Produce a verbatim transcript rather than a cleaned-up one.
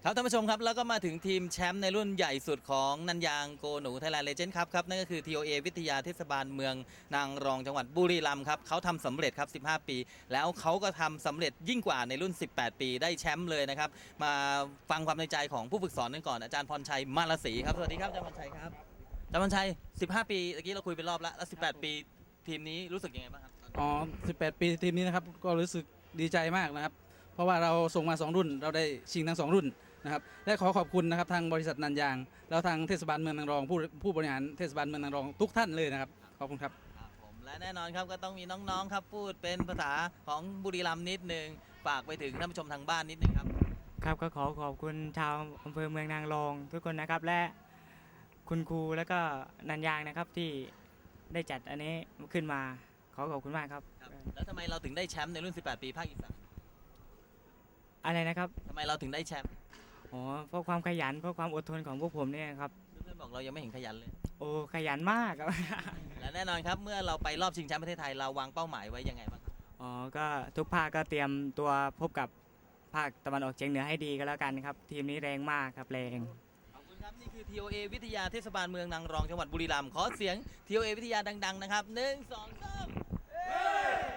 ครับท่านผู้ชมครับแล้วก็มาถึงทีมแชมป์ในรุ่นใหญ่สุดของนันยางโกหนูไทยแลนด์เลเจนด์ครับครับนั่นก็คือ ที โอ เอ วิทยาเทศบาลเมืองนางรองจังหวัดบุรีรัมย์ครับเขาทำสำเร็จครับสิบห้าปีแล้วเขาก็ทำสำเร็จยิ่งกว่าในรุ่นสิบแปดปีได้แชมป์เลยนะครับมาฟังความในใจของผู้ฝึกสอนกันก่อนอาจารย์พรชัยมาลศรีครับสวัสดีครับอาจารย์พรชัยครับอาจารย์พรชัยสิบห้าปีเมื่อกี้เราคุยไปรอบแล้วแล้วสิบแปดปีทีมนี้รู้สึกยังไงบ้างครับอ๋อสิบแปด ปีทีมนี้นะครับก็รู้สึกดีใจมากนะครับเพราะว่าเราส่งมาสองรุ่นเราได้ชิงทั้งสองรุ่นนะครับและขอขอบคุณนะครับทางบริษัทนันยางแล้วทางเทศบาลเมืองนางรองผู้ผู้บริหารเทศบาลเมืองนางรองทุกท่านเลยนะครับขอบคุณครับครับผมและแน่นอนครับก็ต้องมีน้องๆครับพูดเป็นภาษาของบุรีรัมย์นิดนึงฝากไปถึงท่านผู้ชมทางบ้านนิดนึงครับครับก็ขอขอบคุณชาวอำเภอเมืองนางรองทุกคนนะครับและคุณครูแล้วก็นันยางนะครับที่ได้จัดอันนี้ขึ้นมาขอขอบคุณมากครับครับแล้วทำไมเราถึงได้แชมป์ในรุ่นสิบแปดปีภาคอีสานอะไรนะครับทำไมเราถึงได้แชมป์อ๋อเพราะความขยันเพราะความอดทนของพวกผมเนี่ยครับเพื่อนๆบอกเรายังไม่เห็นขยันเลยโอ้ขยันมากครับและแน่นอนครับเมื่อเราไปรอบชิงแชมป์ประเทศไทยเราวางเป้าหมายไว้ยังไงบ้างครับอ๋อก็ทุกภาคก็เตรียมตัวพบกับภาคตะวันออกเฉียงเหนือให้ดีก็แล้วกันครับทีมนี้แรงมากครับแรงขอบคุณครับนี่คือ ที โอ เอ วิทยาเทศบาลเมืองนางรองจังหวัดบุรีรัมย์ขอเสียง ที โอ เอ วิทยาดังๆนะครับหนึ่งสองสาม